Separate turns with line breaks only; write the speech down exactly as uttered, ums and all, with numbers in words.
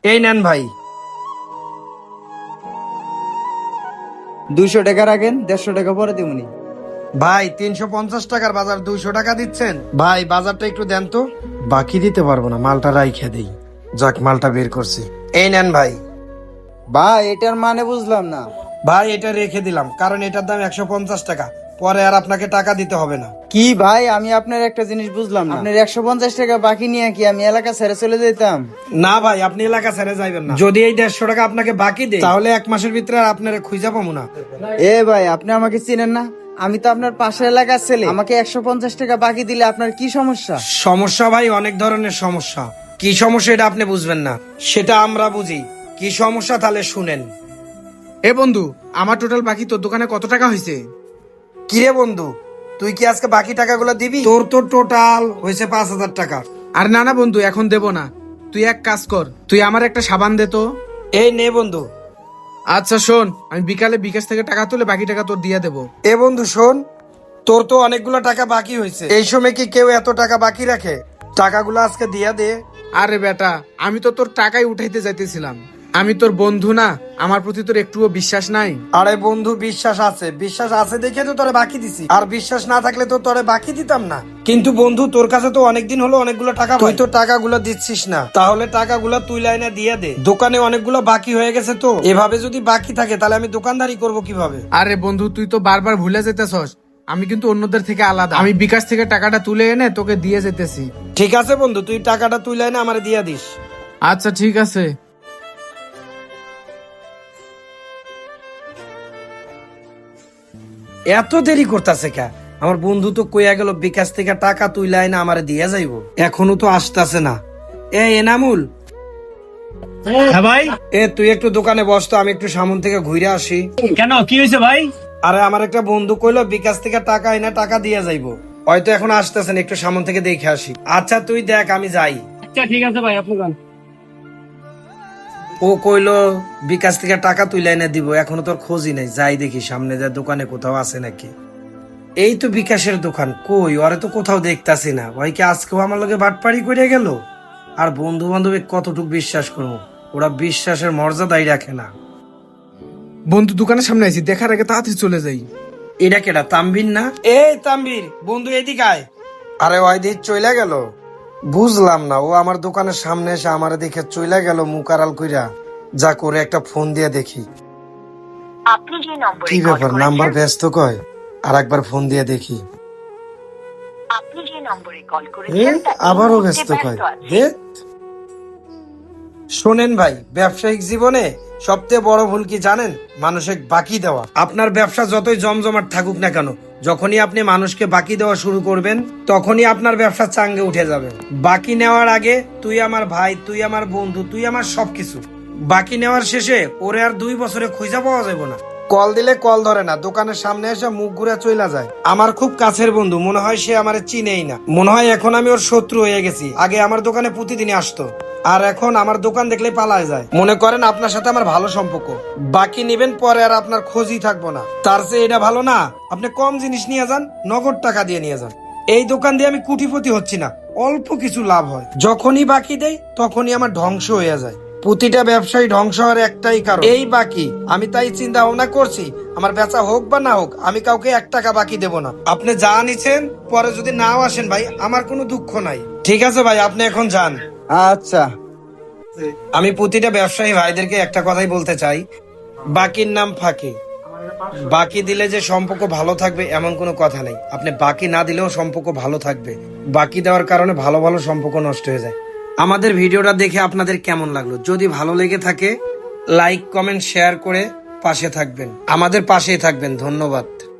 এই নেন ভাই।
দুইশো টাকা রাখেন, দেড়শো টাকা পরে দিবনি।
ভাই তিনশো পঞ্চাশ টাকার বাজার দুইশো টাকা দিচ্ছেন? ভাই বাজারটা একটু দেন তো। বাকি দিতে পারবো না, মালটা রাইখে দেই। যাক, মালটা বের করছি। এই নেন ভাই।
ভাই এটার মানে বুঝলাম না।
ভাই এটা রেখে দিলাম, কারণ এটার দাম একশো পঞ্চাশ টাকা, পরে আর আপনাকে টাকা দিতে হবে না।
কি ভাই, আমি আপনার একটা জিনিস বুঝলাম না। আপনার একশো পঞ্চাশ টাকা বাকি নিয়ে কি আমি এলাকা ছেড়ে চলে যেতাম?
না ভাই, আপনি এলাকা ছেড়ে যাইবেন না। যদি এই দেড়শো টাকা আপনাকে বাকি দেয়, তাহলে এক মাসের ভিতরে আর আপনার খুঁজা পাবো না।
এ ভাই, আপনি আমাকে চিনেন না? আমি তো আপনার পাশের এলাকার ছেলে। আমাকে একশো পঞ্চাশ টাকা বাকি দিলে আপনার কি সমস্যা?
সমস্যা ভাই অনেক ধরনের সমস্যা। কি সমস্যা এটা আপনি বুঝবেন না, সেটা আমরা বুঝি। কি সমস্যা তাহলে শুনেন।
এ বন্ধু, আমার টোটাল বাকি তোর দোকানে কত টাকা হয়েছে?
কিরে বন্ধু, তুই কি আজকে বাকি টাকাগুলো দিবি? তোর তো টোটাল হয়েছে পাঁচ হাজার টাকা।
আর না না বন্ধু, এখন দেব না। তুই এক কাজ কর, তুই আমার একটা সাবান দে তো।
এই নে বন্ধু।
আচ্ছা শোন, আমি বিকালে বিকাশ থেকে টাকা তুলে বাকি টাকা তোর দিয়ে দেবো।
এ বন্ধু শোন, তোর তো অনেকগুলো টাকা বাকি হয়েছে। এই সময় কি কেউ এত টাকা বাকি রাখে? টাকাগুলো আজকে দিয়া দে।
আরে বেটা, আমি তো তোর টাকাই উঠাইতে যাইতেছিলাম। আমি তোর বন্ধু না? আমার প্রতি তোর একটুও বিশ্বাস নাই?
আরে বন্ধু, বিশ্বাস আছে। বিশ্বাস আছে দেখে তো তোরে বাকি দিছি। আর বিশ্বাস না থাকলে তো তোরে বাকি দিতাম না। কিন্তু বন্ধু, তোর কাছে তো অনেকদিন হলো অনেকগুলো টাকা, তুই তো টাকাগুলো দিচ্ছিস না। তাহলে টাকাগুলো তুই লাইনে দিয়ে দে। দোকানে অনেকগুলো বাকি হয়ে গেছে, তো এভাবে যদি বাকি থাকে তাহলে আমি দোকানদারি করব কিভাবে?
আরে বন্ধু, তুই তো বারবার ভুলে যেতেছস। আমি কিন্তু অন্যদের থেকে আলাদা। আমি বিকাশ থেকে টাকাটা তুলে এনে তোকে দিয়ে যেতেছি।
ঠিক আছে বন্ধু, তুই টাকাটা তুই লাইনে আমারে দিয়ে দিস।
আচ্ছা ঠিক আছে।
এত দেরি করতেছে কে? আমার বন্ধু তো কইয়া গেল বিকাশ থেকে টাকা তুই লাইনে আমারে দিয়ে যাইবো, এখনো তো আসতেছে না। এ এনামুল,
হ্যাঁ ভাই।
এ তুই একটু দোকানে বস তো, আমি একটু সামন থেকে ঘুরে আসি।
কেন, কি হয়েছে ভাই?
আরে আমার একটা বন্ধু কইলো বিকাশ থেকে টাকা এনে টাকা দিয়ে যাইবো, হয়তো এখন আসতেছেন, একটু সামন থেকে দেখে আসি। আচ্ছা তুই দেখ, আমি যাই।
আচ্ছা ঠিক আছে ভাই, আপনি যান।
ও কইলো বিকাশ থেকে টাকা তুই লাইনে দিব, এখনো তোর খোঁজই নাই। যাই দেখি সামনে যা দোকানে কোথাও আছে নাকি। এই তো বিকাশের দোকান, কই ওরে তো কোথাও দেখতাছি না। ভাই কি আজকেও আমার লগে বাটপাড়ি করে গেল? আর বন্ধু বান্ধবে কতটুকু বিশ্বাস করবো, ওরা বিশ্বাসের মর্যাদাই রাখে না।
বন্ধু দোকানের সামনে আছি, দেখার আগে তাড়াতাড়ি চলে যাই।
এটা কেডা, তানভীর না? এই তানভীর বন্ধু, এদিকে আয়। আরে ওই দিক চইলা গেল, বুঝলাম না। ও আমার দোকানের সামনে এসে আমার দেখে চইলা গেল মুখ আড়াল কইরা। যা করে একটা ফোন দিয়ে দেখি।
আপনি যে নম্বরে
কি
কল
ব্যাপার, নাম্বার
করেছেন
ব্যস্ত কয়। আর একবার ফোন দিয়ে দেখি।
আপনি যে নম্বরে কল
এ,
করেছেন তা এই
আবারও
মুহূর্তে
ব্যস্ত কয়।
ব্যস্ত আছে।
ধ্যাৎ। শোনেন ভাই, ব্যবসায়িক জীবনে সবচেয়ে বড় ভুল কি জানেন? মানুষকে বাকি দেওয়া। আপনার ব্যবসা যতই জমজমাট থাকুক না কেন, যখনই আপনি মানুষকে বাকি দেওয়া শুরু করবেন, তখনই আপনার ব্যবসা চাঙ্গে উঠে যাবে। বাকি নেওয়ার আগে তুই আমার ভাই, তুই আমার বন্ধু, তুই আমার সবকিছু। বাকি নেওয়ার শেষে ওরে আর দুই বছরে খুঁজা পাওয়া যাবে না। কল দিলে কল ধরে না, দোকানের সামনে এসে মুখ ঘুরে চইলা যায়। আমার খুব কাছের বন্ধু, মনে হয় সে আমারে চিনেই না। মনে হয় এখন আমি ওর শত্রু হয়ে গেছি। আগে আমার দোকানে প্রতিদিনই আসতো, আর এখন আমার দোকান দেখলে পালায় যায়। মনে করেন আপনার সাথে আমার ভালো সম্পর্ক, বাকি নিবেন পরে আর আপনার খোঁজই থাকবো না। তার চেয়ে এটা ভালো না, আপনি কম জিনিস নিয়ে যান, নগদ টাকা দিয়ে নিয়ে যান। এই দোকান দিয়ে আমি কোটিপতি হচ্ছি না, অল্প কিছু লাভ হয়। যখনই বাকি দেই তখনই আমার ধ্বংস হয়ে যায়। প্রতিটা ব্যবসায়ী ধ্বংস হওয়ার একটাই কারণ, এই বাকি। আমি তাই চিন্তা ভাবনা করছি, আমার বেচা হোক বা না হোক, আমি কাউকে এক টাকা বাকি দেব না। আপনি যা নিছেন, পরে যদি নাও আসেন ভাই, আমার কোনো দুঃখ নাই। ঠিক আছে ভাই, আপনি এখন যান।
আচ্ছা।
আমি প্রতিটা ব্যবসায়ী ভাইদেরকে একটা কথাই বলতে চাই, বাকির নাম ফাঁকি। বাকি দিলে যে সম্পর্ক ভালো থাকবে এমন কোনো কথা নেই। আপনি বাকি না দিলেও সম্পর্ক ভালো থাকবে। বাকি দেওয়ার কারণে ভালো ভালো সম্পর্ক নষ্ট হয়ে যায়। আমাদের ভিডিওটা দেখে আপনাদের কেমন লাগলো? যদি ভালো লেগে থাকে, লাইক কমেন্ট শেয়ার করে পাশে থাকবেন, আমাদের পাশেই থাকবেন। ধন্যবাদ।